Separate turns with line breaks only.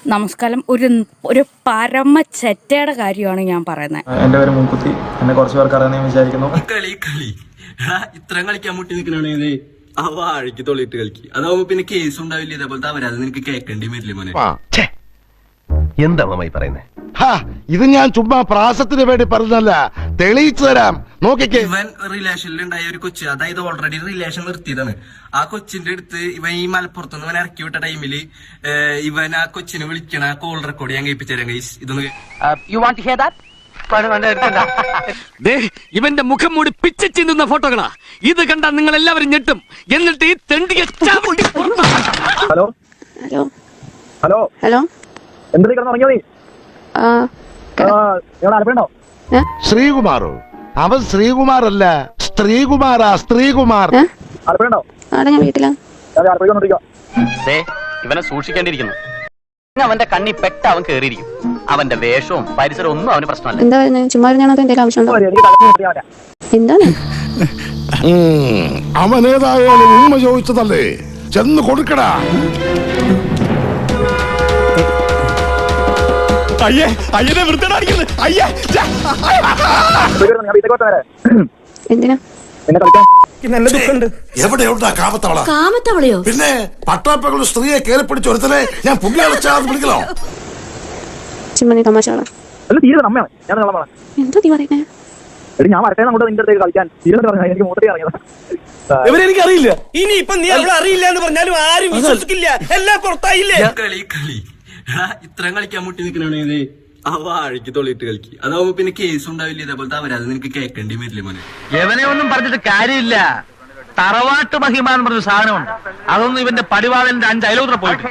നമസ്കാരം. ഒരു പരമ ചെറ്റയുടെ കാര്യമാണ് ഞാൻ പറയുന്നത്.
എന്റെ പേര് മൂക്കുത്തി, എന്നെ കുറച്ച് പേർക്ക് അറിയാമെന്ന് വിചാരിക്കുന്നു.
കളി ഇത്രയും കളിക്കാൻ മുട്ടി നിൽക്കണേ ആ വാഴയ്ക്ക് തൊള്ളിട്ട് കളിക്ക്. അതാവുമ്പോ പിന്നെ കേസ് ഉണ്ടാവില്ല. ഇതേപോലത്തെ അവരാത് നിനക്ക് കേൾക്കേണ്ടി വരില്ല മോനെ.
എന്താ അമ്മായി പറയുന്നേ?
ഇത് ഞാൻ ചുമ്മാ പ്രാസത്തിന് വേണ്ടി പറഞ്ഞല്ല, തെളിയിച്ചു തരാം. നോക്കിക്കേ,
ഇവൻ റിലേഷനിൽ ഉണ്ടായ ഒരു കൊച്ച്, അതായത് ഓൾറെഡി റിലേഷൻ നിർത്തിയതാണ്. ആ കൊച്ചിന്റെ അടുത്ത് ഇവൻ ഈ മലപ്പുറത്തുനിന്ന് ഇവൻ ഇറക്കി വിട്ട ടൈമില് ഇവൻ ആ കൊച്ചിനെ വിളിക്കണ കോൾ റെക്കോർഡ് ഞാൻ കേൾപ്പിച്ചു തരാം. ഇതൊന്ന്
ഇവന്റെ മുഖം മൂടി പിച്ച ചിന്തുന്ന ഫോട്ടോകളാ. ഇത് കണ്ടാൽ നിങ്ങൾ എല്ലാവരും ഞെട്ടും. എന്നിട്ട് ഈ തെണ്ടിയെ
ഹലോ
ഹലോ
ഹലോ
ഹലോ
എന്താ കിടന്നുറങ്ങിയോ നീ? ആലപ്പുഴണ്ടോ?
ശ്രീകുമാറോ? അവൻ ശ്രീകുമാറല്ല, സ്ത്രീകുമാറാ, സ്ത്രീകുമാർ.
ആലപ്പുഴണ്ടോ?
ആടെ ഞാൻ വീട്ടിലാ.
ആലപ്പുഴ വന്നിരിക്കോ?
ഇവനെ സൂക്ഷിക്കേണ്ടിയിരിക്കുന്നു. അവന്റെ കണ്ണി പെട്ട അവൻ കേറിയിരിക്കും. അവന്റെ വേഷവും പരിസരവും ഒന്നും അവന് പ്രശ്നമല്ല.
എന്താ ചുമ്മാ ഞാനത് എന്തെങ്കിലും ആവശ്യമുണ്ടോ? എന്താണ്
അവനേതായാലും ഉമ്മ ചോദിച്ചതല്ലേ, ചെന്ന് കൊടുക്കടാ.
എന്തിനാ?
എവിടെയുണ്ടാ കാമത്തവള?
കാമത്തവളയോ?
പിന്നെ പട്ടാപ്പകളുടെ സ്ത്രീയെ കയറി പിടിച്ച് ഒരുത്തനെ ഞാൻ പുള്ളിയാളെ വിളിക്കണോ?
ചുമ്മാ നീ തമാശകളാ. എന്താ നീ പറയുന്നേ?
ഞാൻ വരട്ടെ അങ്ങോട്ട് നിന്റെ അടുത്തേക്ക് കളിക്കാൻ എനിക്ക് മൂത്രത്തിൽ ഇറങ്ങിയത്.
ഇവരെനിക്കറിയില്ല. ഇനി ഇപ്പൊ നീ അവളെ അറിയില്ല എന്ന് പറഞ്ഞാലും ആരും വിശ്വസിക്കില്ല. എല്ലാം പുറത്തായില്ലേ?
കളി ഇത്രയും കളിക്കാൻ മുട്ടി നിൽക്കണേ ആ വാഴയ്ക്ക് തൊള്ളിട്ട് കളിക്ക്. അതാവുമ്പോ പിന്നെ കേസ് ഉണ്ടാവില്ല. ഇതേപോലത്തെ അവരാത് നിനക്ക് കേൾക്കേണ്ടി വരില്ല മോനെ.
എവനെ ഒന്നും പറഞ്ഞിട്ട് കാര്യമില്ല. തറവാട്ട് മഹിമ എന്ന് പറഞ്ഞ സാധനമുണ്ട്. അതൊന്നും ഇവന്റെ പടിവാളന്റെ 5 അയലോത്ര പോയിട്ട്